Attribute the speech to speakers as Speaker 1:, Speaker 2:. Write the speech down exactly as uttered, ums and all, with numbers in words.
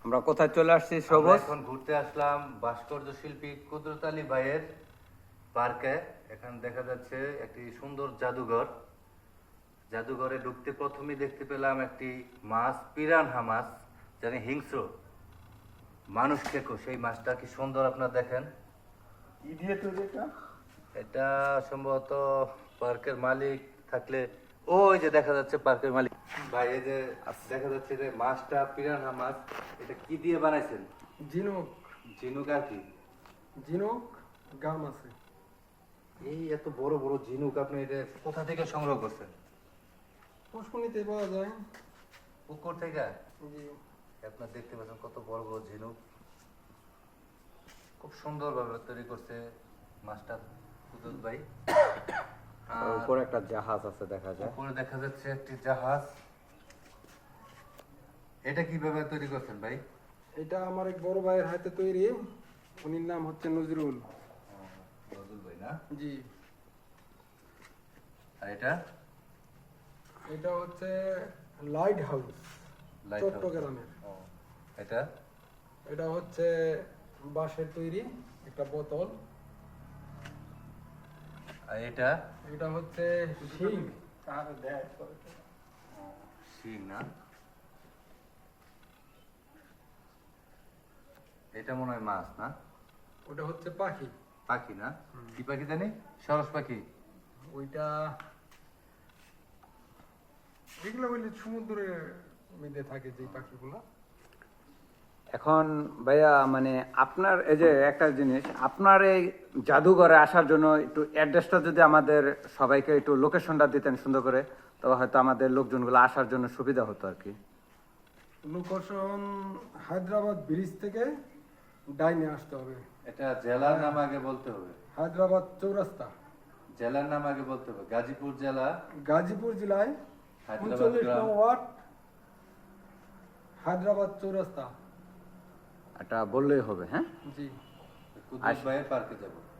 Speaker 1: আমরা কোথায় চলে আসছি
Speaker 2: আমরা
Speaker 1: সবুজ?
Speaker 2: এখন ঘুরতে আসলাম ভাস্কর্য শিল্পী কুদরত আলী ভাইয়ের পার্কে। এখানে দেখা যাচ্ছে একটি সুন্দর জাদুঘর। জাদুঘরে ঢুকতে প্রথমেই দেখতে পেলাম একটি মাছ, পিরানহা মাছ, জানি হিংস্র, মানুষ খেকো। সেই মাছটা কি সুন্দর, আপনারা দেখেন।
Speaker 3: কি দিয়ে তৈরি এটা?
Speaker 2: এটা সম্ভবত পার্কের মালিক থাকলে, ওই যে দেখা যাচ্ছে পার্কের মালিক ভাই, এই যে দেখা যাচ্ছে যে মাছটা পিরানহা মাছ, এটা কি দিয়ে বানাইছেন?
Speaker 3: ঝিনুক।
Speaker 2: ঝিনুক আর কি?
Speaker 3: ঝিনুক গাম আছে।
Speaker 2: এই এত বড় বড় ঝিনুক আপনি এটা কোথা থেকে সংগ্রহ করছেন?
Speaker 3: পুষ্পনিতে পাওয়া যায়।
Speaker 2: পুকুর থেকে?
Speaker 3: জি।
Speaker 2: আপনার দেখতে পাচ্ছেন কত বড় বড় ঝিনুক, খুব সুন্দর ভাবে তৈরি করছে মাছটা কুদরত ভাই।
Speaker 1: আর উপরে একটা জাহাজ আছে দেখা যায়।
Speaker 2: উপরে দেখা যাচ্ছে একটি জাহাজ। এটা কিভাবে তৈরি করছেন ভাই?
Speaker 3: এটা আমার এক বড় ভাইয়ের হাতে তৈরি। উনির নাম হচ্ছে নজরুল।
Speaker 2: নজরুল ভাই না?
Speaker 3: জি।
Speaker 2: আর এটা?
Speaker 3: এটা হচ্ছে লাইট হাউস,
Speaker 2: লাইট হাউস।
Speaker 3: চট্টগ্রামের।
Speaker 2: ও, এটা?
Speaker 3: এটা হচ্ছে বাঁশের তৈরি একটা বোতল।
Speaker 2: আর এটা?
Speaker 3: এটা হচ্ছে শিং।
Speaker 2: শিং না? এটা মনে হয় মাছ না?
Speaker 3: ওটা হচ্ছে পাখি।
Speaker 2: পাখি না? কি পাখি জানি? সরস পাখি?
Speaker 3: ওইটা এগুলো বললে সমুদ্রের মধ্যে থাকে যে পাখিগুলো।
Speaker 1: এখন ভাইয়া মানে আপনার এই যে একটা জিনিস, আপনার এই জাদুঘরে আসার জন্য একটু অ্যাড্রেসটা যদি আমাদের সবাইকে একটু লোকেশনটা দিতেন সুন্দর করে, তবে হয়তো আমাদের লোকজনগুলো আসার জন্য সুবিধা হতো আর কি।
Speaker 3: লোকেশন হায়দ্রাবাদ ব্রিজ থেকে ডাইনে আসতে হবে।
Speaker 2: এটা জেলার নাম আগে বলতে হবে।
Speaker 3: হায়দ্রাবাদ চৌরাস্তা,
Speaker 2: জেলার নাম আগে বলতে হবে। গাজীপুর জেলা,
Speaker 3: গাজীপুর জেলায়
Speaker 2: হায়দ্রাবাদ
Speaker 3: উনচল্লিশ
Speaker 2: গ্রাম।
Speaker 3: নং ওয়ার্ড, হায়দ্রাবাদ চৌরাস্তা।
Speaker 1: এটা বললেই হবে, হ্যাঁ?
Speaker 3: জি।
Speaker 2: কুদরত ভাইয়ের পার্কে যাব।